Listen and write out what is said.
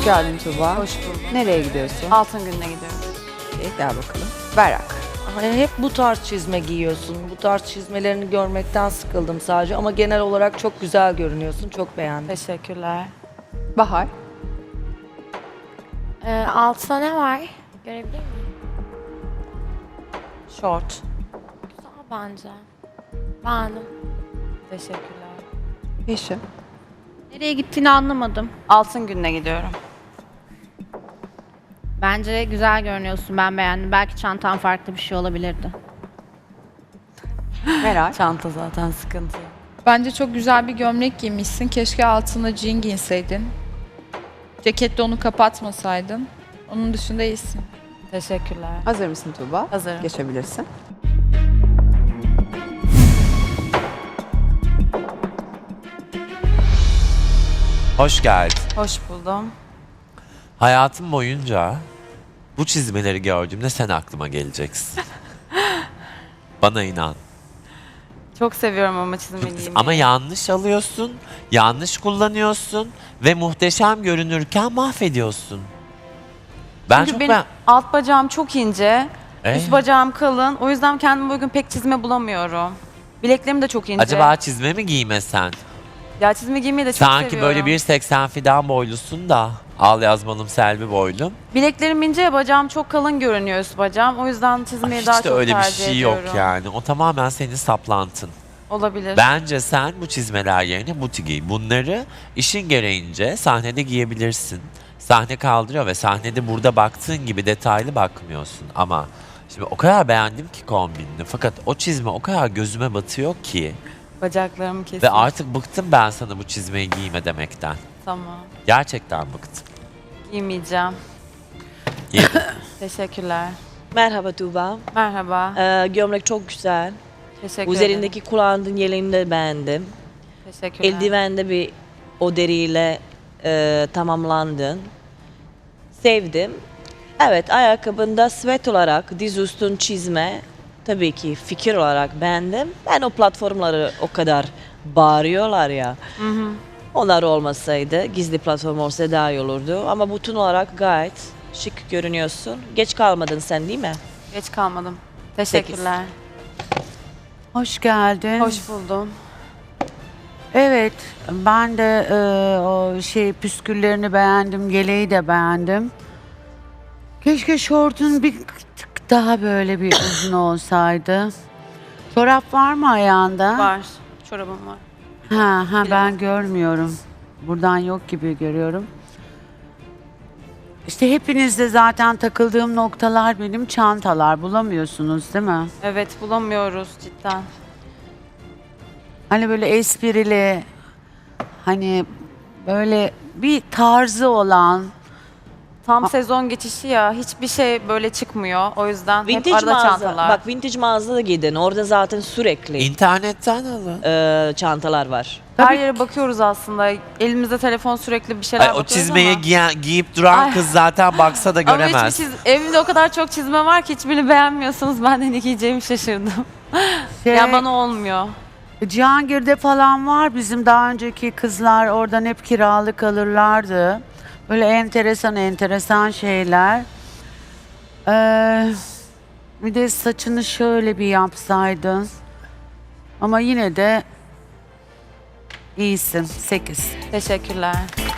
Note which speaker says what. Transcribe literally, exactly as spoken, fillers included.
Speaker 1: Hoş geldin Tuğba.
Speaker 2: Hoş bulduk.
Speaker 1: Nereye gidiyorsun?
Speaker 2: Altın gününe gidiyorum.
Speaker 1: İyi, gel bakalım. Berrak.
Speaker 3: Hani hep bu tarz çizme giyiyorsun. Bu tarz çizmelerini görmekten sıkıldım sadece ama genel olarak çok güzel görünüyorsun. Çok beğendim.
Speaker 2: Teşekkürler.
Speaker 1: Bahar.
Speaker 4: Ee, altına ne var? Görebilir miyim?
Speaker 2: Short.
Speaker 4: Güzel bence. Beğendim.
Speaker 2: Teşekkürler.
Speaker 1: Yeşim.
Speaker 5: Nereye gittiğini anlamadım.
Speaker 2: Altın gününe gidiyorum.
Speaker 5: Bence güzel görünüyorsun. Ben beğendim. Belki çantan farklı bir şey olabilirdi.
Speaker 1: Meral.
Speaker 2: Çanta zaten sıkıntı.
Speaker 6: Bence çok güzel bir gömlek giymişsin. Keşke altına jean giyseydin. Ceketle onu kapatmasaydın. Onun dışında iyisin.
Speaker 2: Teşekkürler.
Speaker 1: Hazır mısın Tuğba?
Speaker 2: Hazırım.
Speaker 1: Geçebilirsin.
Speaker 7: Hoş geldin.
Speaker 2: Hoş buldum.
Speaker 7: Hayatım boyunca bu çizmeleri gördüğümde sen aklıma geleceksin. Bana inan.
Speaker 2: Çok seviyorum ama çizme giymeyi.
Speaker 7: Ama yanlış alıyorsun, yanlış kullanıyorsun ve muhteşem görünürken mahvediyorsun. Ben
Speaker 2: Çünkü
Speaker 7: çok
Speaker 2: benim
Speaker 7: ben...
Speaker 2: alt bacağım çok ince,
Speaker 7: Ee?
Speaker 2: üst bacağım kalın. O yüzden kendime bugün pek çizme bulamıyorum. Bileklerim de çok ince.
Speaker 7: Acaba çizme mi giymesen?
Speaker 2: Ya çizme giymeyi de çok
Speaker 7: Sanki
Speaker 2: seviyorum.
Speaker 7: böyle bir seksen fidan boylusun da al yazmalım Selvi boylum.
Speaker 2: Bileklerim ince, bacağım çok kalın görünüyor üst bacağım. O yüzden çizmeyi
Speaker 7: Hiç
Speaker 2: daha
Speaker 7: de
Speaker 2: çok
Speaker 7: öyle bir
Speaker 2: tercih
Speaker 7: şey
Speaker 2: ediyorum.
Speaker 7: yok yani. O tamamen senin saplantın.
Speaker 2: Olabilir.
Speaker 7: Bence sen bu çizmeler yerine buti giy. Bunları işin gereğince sahnede giyebilirsin. Sahne kaldırıyor ve sahnede burada baktığın gibi detaylı bakmıyorsun. Ama şimdi o kadar beğendim ki kombinini. Fakat o çizme o kadar gözüme batıyor ki.
Speaker 2: Bacaklarım kesin.
Speaker 7: Ve artık bıktım ben sana bu çizmeyi giyme demekten.
Speaker 2: Tamam.
Speaker 7: Gerçekten bıktım.
Speaker 2: Giymeyeceğim.
Speaker 7: Giy.
Speaker 2: Teşekkürler.
Speaker 8: Merhaba Tuğba.
Speaker 2: Merhaba.
Speaker 8: Ee, gömlek çok güzel.
Speaker 2: Teşekkür
Speaker 8: Üzerindeki
Speaker 2: ederim.
Speaker 8: kullandığın yeleğini de beğendim.
Speaker 2: Teşekkürler.
Speaker 8: Eldiven de bir o deriyle e, tamamlandın. Sevdim. Evet, ayakkabında sweat olarak diz üstün çizme tabii ki fikir olarak beğendim. Ben o platformları o kadar bağırıyorlar ya.
Speaker 2: Hı hı.
Speaker 8: Onlar olmasaydı, gizli platform olsa daha iyi olurdu. Ama bütün olarak gayet şık görünüyorsun. Geç kalmadın sen değil mi?
Speaker 2: Geç kalmadım. Teşekkürler.
Speaker 9: Hoş geldin.
Speaker 2: Hoş buldum.
Speaker 9: Evet, ben de e, o şey püsküllerini beğendim, yeleği de beğendim. Keşke şortun bir tık daha böyle bir uzun olsaydı. Çorap var mı ayağında?
Speaker 2: Var. Çorabım var.
Speaker 9: Ha ha ben
Speaker 2: Bilemem.
Speaker 9: görmüyorum. Buradan yok gibi görüyorum. İşte hepinizde zaten takıldığım noktalar benim çantalar. Bulamıyorsunuz değil mi?
Speaker 2: Evet, bulamıyoruz cidden.
Speaker 9: Hani böyle esprili, hani böyle bir tarzı olan.
Speaker 2: Tam sezon geçişi ya. Hiçbir şey böyle çıkmıyor. O yüzden hep
Speaker 8: Vintage
Speaker 2: arada
Speaker 8: mağaza.
Speaker 2: çantalar.
Speaker 8: Bak vintage mağazada gidin. Orada zaten sürekli
Speaker 7: İnternetten alın.
Speaker 8: e, çantalar var.
Speaker 2: Her
Speaker 9: Tabii
Speaker 2: yere bakıyoruz aslında. Elimizde telefon sürekli bir şeyler
Speaker 7: Ay, o
Speaker 2: bakıyoruz
Speaker 7: çizmeye
Speaker 2: ama.
Speaker 7: giyen, giyip duran
Speaker 2: Ay.
Speaker 7: kız zaten baksa da
Speaker 2: Ama
Speaker 7: göremez.
Speaker 2: hiçbir çiz... evimde o kadar çok çizme var ki hiçbirini beğenmiyorsunuz. Ben de ne giyeceğimi şaşırdım.
Speaker 9: Şey,
Speaker 2: Ya bana olmuyor.
Speaker 9: Cihangir'de falan var bizim daha önceki kızlar oradan hep kiralık alırlardı. Böyle enteresan enteresan şeyler. Ee, bir de saçını şöyle bir yapsaydın. Ama yine de iyisin. Sekiz.
Speaker 2: Teşekkürler.